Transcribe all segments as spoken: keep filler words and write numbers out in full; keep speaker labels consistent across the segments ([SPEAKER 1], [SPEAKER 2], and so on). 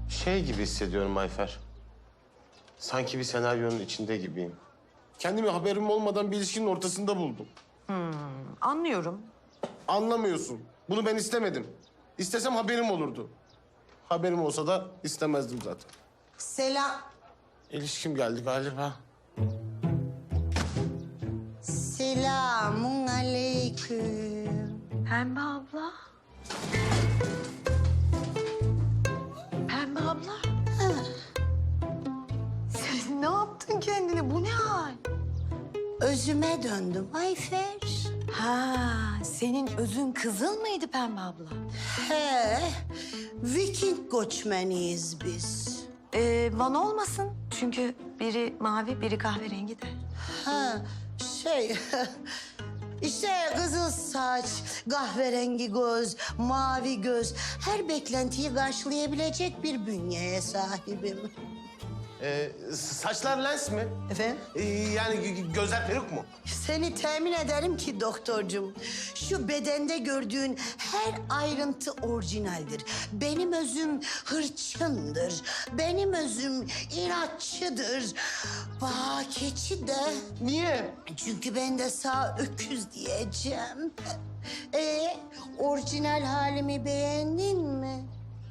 [SPEAKER 1] Şey gibi hissediyorum Ayfer. Sanki bir senaryonun içinde gibiyim. Kendimi haberim olmadan bir ilişkinin ortasında buldum.
[SPEAKER 2] Anlıyorum.
[SPEAKER 1] Anlamıyorsun. Bunu ben istemedim. İstesem haberim olurdu. Haberim olsa da istemezdim zaten.
[SPEAKER 3] Selam.
[SPEAKER 1] İlişkim geldi galiba.
[SPEAKER 3] Selamun aleyküm.
[SPEAKER 2] Pembe abla. Pembe abla. Sen ne yaptın kendine? Bu ne hal?
[SPEAKER 3] Özüme döndüm Ayfer.
[SPEAKER 2] Ha, senin özün kızıl mıydı Pembe abla?
[SPEAKER 3] He, Viking göçmeniyiz biz.
[SPEAKER 2] Ee, Van olmasın. Çünkü biri mavi, biri kahverengi de.
[SPEAKER 3] Ha, şey... işte kızıl saç, kahverengi göz, mavi göz... her beklentiyi karşılayabilecek bir bünyeye sahibim.
[SPEAKER 1] Ee, saçlar lens mi?
[SPEAKER 3] Efendim?
[SPEAKER 1] Ee, yani gö- gözler peruk mu?
[SPEAKER 3] Seni temin ederim ki doktorcum, şu bedende gördüğün her ayrıntı orijinaldir. Benim özüm hırçındır, benim özüm inatçıdır. Bağ keçi de...
[SPEAKER 1] Niye?
[SPEAKER 3] Çünkü ben de sağ öküz diyeceğim. Ee, orijinal halimi beğendin mi?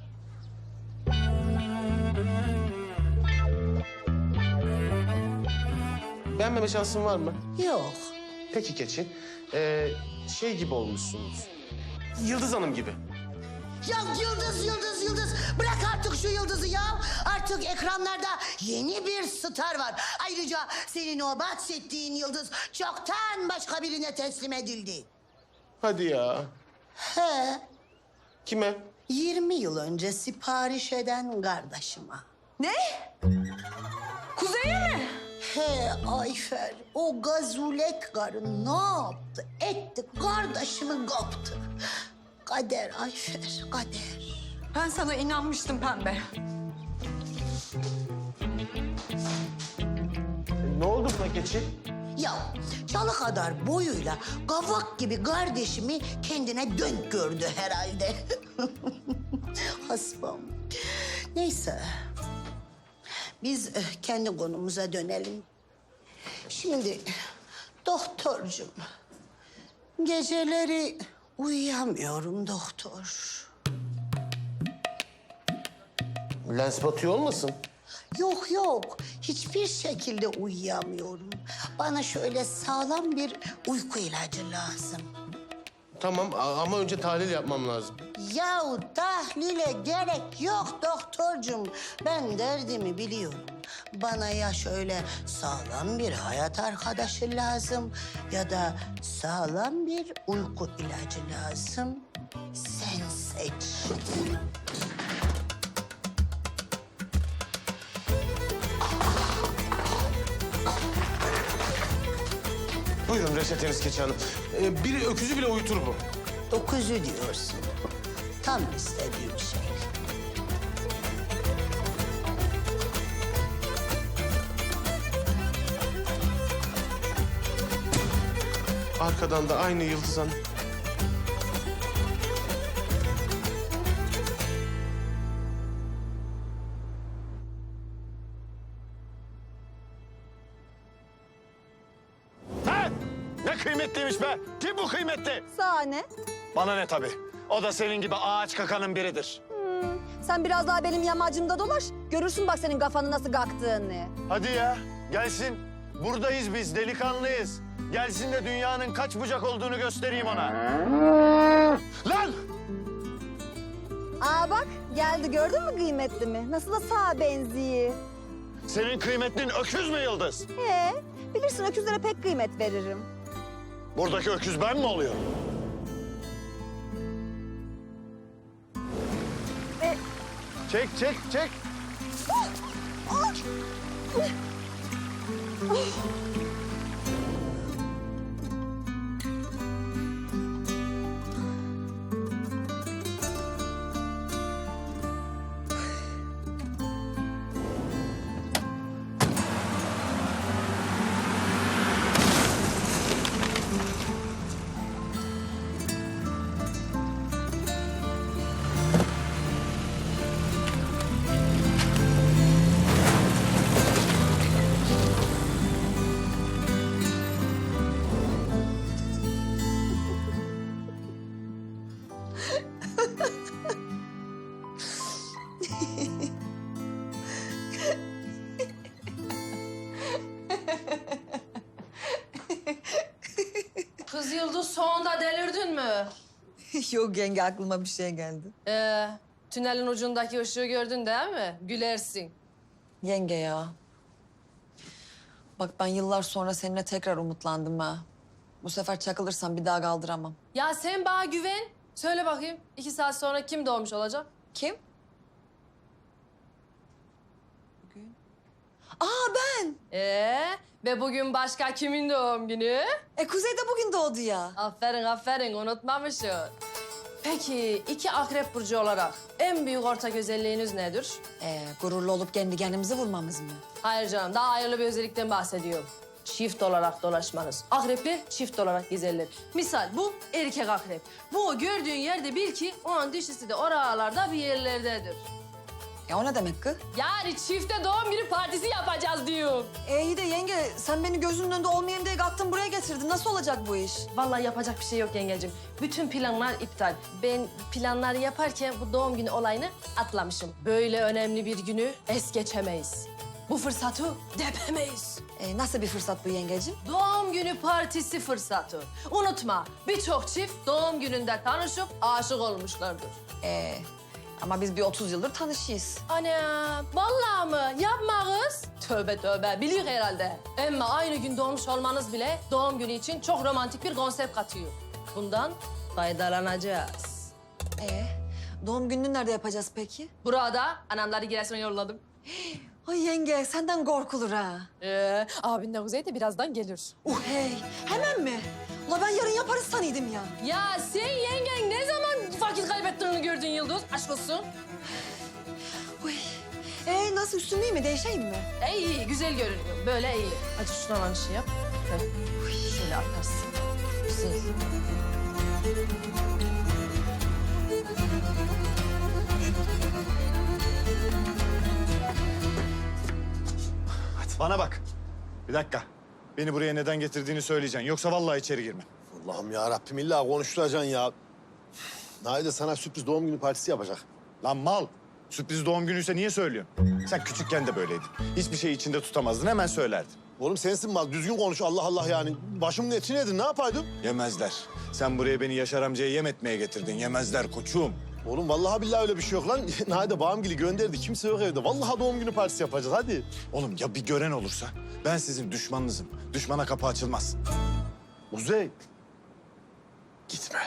[SPEAKER 1] Beğenmeme şansın var mı?
[SPEAKER 3] Yok.
[SPEAKER 1] Peki keçi. Ee, şey gibi olmuşsunuz. Yıldız Hanım gibi.
[SPEAKER 3] Ya Yıldız, Yıldız, Yıldız. Bırak artık şu Yıldız'ı ya. Artık ekranlarda yeni bir star var. Ayrıca senin o bahsettiğin Yıldız çoktan başka birine teslim edildi.
[SPEAKER 1] Hadi ya.
[SPEAKER 3] He,
[SPEAKER 1] Kime?
[SPEAKER 3] yirmi yıl önce sipariş eden kardeşime.
[SPEAKER 2] Ne? Kuzey'e mi?
[SPEAKER 3] He Ayfer, o gazulek karı ne yaptı? Etti, kardeşimi kaptı. Kader Ayfer, kader.
[SPEAKER 2] Ben sana inanmıştım Pembe.
[SPEAKER 1] Ne oldu buna keçi?
[SPEAKER 3] Ya çalı kadar boyuyla kavak gibi kardeşimi kendine dönk gördü herhalde. Hasbam. Neyse. Biz eh, kendi konumuza dönelim. Şimdi doktorcum, geceleri uyuyamıyorum doktor.
[SPEAKER 1] Lens batıyor olmasın?
[SPEAKER 3] Yok yok, hiçbir şekilde uyuyamıyorum. Bana şöyle sağlam bir uyku ilacı lazım.
[SPEAKER 1] Tamam a- ama önce tahlil yapmam lazım.
[SPEAKER 3] Yahu tahlile gerek yok doktorcum. Ben derdimi biliyorum. Bana ya şöyle sağlam bir hayat arkadaşı lazım... ya da sağlam bir uyku ilacı lazım. Sen seç.
[SPEAKER 1] Buyurun reçeteniz keçi hanım. Ee, biri öküzü bile uyutur bu.
[SPEAKER 3] Dokuzu diyorsun. Tam istediğim şey.
[SPEAKER 1] Arkadan da aynı Yıldız Hanım.
[SPEAKER 4] Ha? Ne kıymetliymiş be? Kim bu kıymetli?
[SPEAKER 5] Sahne.
[SPEAKER 4] Bana ne tabii. O da senin gibi ağaç kakanın biridir.
[SPEAKER 5] Sen biraz daha benim yamacımda dolaş. Görürsün bak senin kafanı nasıl kalktığını.
[SPEAKER 4] Hadi ya, gelsin. Buradayız biz, delikanlıyız. Gelsin de dünyanın kaç bucak olduğunu göstereyim ona. Lan!
[SPEAKER 5] Aa bak geldi gördün mü kıymetli mi? Nasıl da sağa benziyor.
[SPEAKER 4] Senin kıymetlin öküz mü Yıldız?
[SPEAKER 5] He, bilirsin öküzlere pek kıymet veririm.
[SPEAKER 4] Buradaki öküz ben mi oluyorum?
[SPEAKER 5] E,
[SPEAKER 4] Çek, çek, çek.
[SPEAKER 6] Kız Yıldız sonunda delirdin mi?
[SPEAKER 2] Yok yenge aklıma bir şey geldi.
[SPEAKER 6] Ee, tünelin ucundaki ışığı gördün değil mi? Gülersin.
[SPEAKER 2] Yenge ya. Bak ben yıllar sonra seninle tekrar umutlandım ha. Bu sefer çakılırsam bir daha kaldıramam.
[SPEAKER 6] Ya sen bana güven. Söyle bakayım iki saat sonra kim doğmuş olacak?
[SPEAKER 2] Kim? Bugün. Aa ben.
[SPEAKER 6] Ee, ve bugün başka kimin doğum günü?
[SPEAKER 2] E Kuzey de bugün doğdu ya.
[SPEAKER 6] Aferin aferin unutmamışsın. Peki iki akrep burcu olarak en büyük ortak özelliğiniz nedir?
[SPEAKER 2] E, gururlu olup kendi kendimizi vurmamız mı?
[SPEAKER 6] Hayır canım daha hayırlı bir özellikten bahsediyorum. Çift olarak dolaşmanız. Akrepler çift olarak gezerler. Misal bu erkek akrep. Bu gördüğün yerde bil ki onun dişisi de oralarda bir yerlerdedir.
[SPEAKER 2] Ya o ne demek kız?
[SPEAKER 6] Yani çifte doğum günü partisi yapacağız diyorum.
[SPEAKER 2] E iyi de yenge sen beni gözünün önünde olmayayım diye kattın buraya getirdin. Nasıl olacak bu iş?
[SPEAKER 6] Vallahi yapacak bir şey yok yengecim. Bütün planlar iptal. Ben planları yaparken bu doğum günü olayını atlamışım. Böyle önemli bir günü es geçemeyiz. Bu fırsatı depemeyiz.
[SPEAKER 2] E, nasıl bir fırsat bu yengeciğim?
[SPEAKER 6] Doğum günü partisi fırsatı. Unutma birçok çift doğum gününde tanışıp aşık olmuşlardır.
[SPEAKER 2] E, ama biz bir otuz yıldır tanışıyız.
[SPEAKER 6] Ana vallahi mı? Yapma kız. Tövbe tövbe biliyor herhalde. Ama aynı gün doğmuş olmanız bile doğum günü için çok romantik bir konsept katıyor. Bundan faydalanacağız.
[SPEAKER 2] E, doğum gününü nerede yapacağız peki?
[SPEAKER 6] Burada anamları Giresun'a yolladım.
[SPEAKER 2] Ay yenge senden korkulur ha.
[SPEAKER 6] Ee, abin de Kuzey de birazdan gelir.
[SPEAKER 2] Uh hey hemen mi? Ula ben yarın yaparız sanıyordum ya.
[SPEAKER 6] Ya sen yengen ne zaman vakit kaybettiğini gördün Yıldız? Aşk olsun.
[SPEAKER 2] Uy. E, nasıl üstüm iyi mi? Değişeyim mi?
[SPEAKER 6] E, iyi, güzel görünüyor. Böyle iyi. Hadi şuradan lan şey yap. Heh. Şöyle atarsın. Güzel.
[SPEAKER 4] Bana bak. Bir dakika. Beni buraya neden getirdiğini söyleyeceksin. Yoksa vallahi içeri girmem.
[SPEAKER 7] Allah'ım ya Rabbim illa konuşturacaksın ya. Naide sana sürpriz doğum günü partisi yapacak.
[SPEAKER 4] Lan mal. Sürpriz doğum günüyse niye söylüyorsun? Sen küçükken de böyleydin. Hiçbir şeyi içinde tutamazdın, hemen söylerdin.
[SPEAKER 7] Oğlum sensin mal, düzgün konuş Allah Allah yani. Başımın eti nedir, ne yapaydım?
[SPEAKER 4] Yemezler. Sen buraya beni Yaşar amcaya yem etmeye getirdin. Yemezler koçum.
[SPEAKER 7] Oğlum vallahi billahi öyle bir şey yok lan. Naide bağımgili gönderdi, kimse yok evde. Vallahi doğum günü partisi yapacağız, hadi.
[SPEAKER 4] Oğlum ya bir gören olursa? Ben sizin düşmanınızım. Düşmana kapı açılmaz.
[SPEAKER 7] Kuzey. Gitme.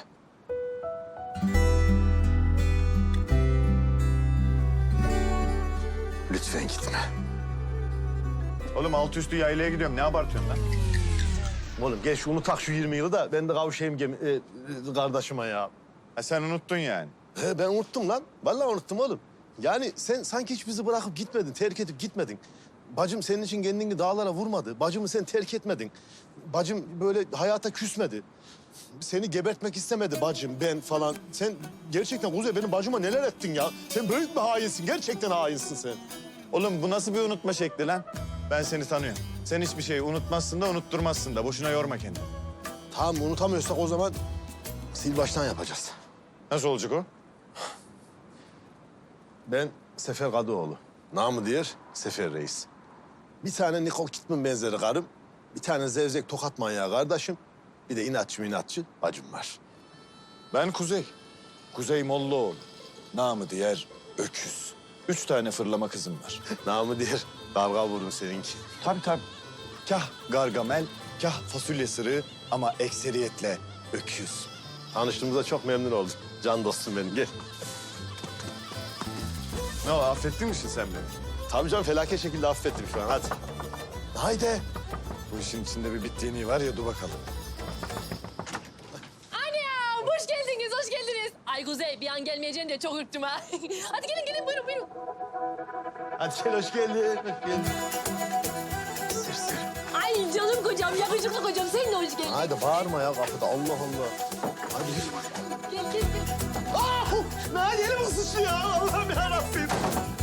[SPEAKER 7] Lütfen gitme.
[SPEAKER 4] Oğlum altı üstü yaylaya gidiyorum. Ne abartıyorsun lan?
[SPEAKER 7] Oğlum gel şu unutak şu yirmi yılı da ben de kavuşayım gemi, e, e, kardeşime ya.
[SPEAKER 4] Ha, sen unuttun yani.
[SPEAKER 7] He, ben unuttum lan. Vallahi unuttum oğlum. Yani sen sanki hiç bizi bırakıp gitmedin, terk edip gitmedin. Bacım senin için kendini dağlara vurmadı. Bacımı sen terk etmedin. Bacım böyle hayata küsmedi. Seni gebertmek istemedi bacım, ben falan. Sen gerçekten Kuzey benim bacıma neler ettin ya? Sen büyük bir hainsin, gerçekten hainsin sen.
[SPEAKER 4] Oğlum bu nasıl bir unutma şekli lan? Ben seni tanıyorum. Sen hiçbir şeyi unutmazsın da unutturmazsın da. Boşuna yorma kendini.
[SPEAKER 7] Tamam unutamıyorsak o zaman sil baştan yapacağız.
[SPEAKER 4] Nasıl olacak o?
[SPEAKER 7] Ben Sefer Kadıoğlu. Namı diğer Sefer Reis. Bir tane Nicole Kidman benzeri karım. Bir tane zevzek tokat manyağı kardeşim. Bir de inatçı inatçı bacım var.
[SPEAKER 4] Ben Kuzey. Kuzey Mollaoğlu. Namı diğer Öküz. Üç tane fırlama kızım var.
[SPEAKER 7] Namı diğer dalga vurun seninki.
[SPEAKER 4] Tabii tabii. Kah Gargamel, kah fasulye sırığı ama ekseriyetle öküz.
[SPEAKER 7] Tanıştığımıza çok memnun oldum. Can dostum benim, gel.
[SPEAKER 4] Ne o, affettin mi sen beni?
[SPEAKER 7] Tabii canım, felaket şekilde affettim şu an, hadi. Haydi.
[SPEAKER 4] Bu işin içinde bir bittiğini var ya, dur bakalım.
[SPEAKER 6] Anam hoş geldiniz, hoş geldiniz. Ay Kuzey bir an gelmeyeceğini de çok ürktüm ha. Hadi gelin gelin buyurun buyurun.
[SPEAKER 7] Hadi gel, hoş geldin, hoş geldin. Sır sır.
[SPEAKER 6] Ay canım kocam, yakışıklı kocam sen de hoş geldin.
[SPEAKER 7] Haydi bağırma ya kapıda, Allah Allah. Hadi yürü.
[SPEAKER 6] Gel gel gel.
[SPEAKER 7] Ah! Nail elim ısışı ya, Allah'ım yarabbim.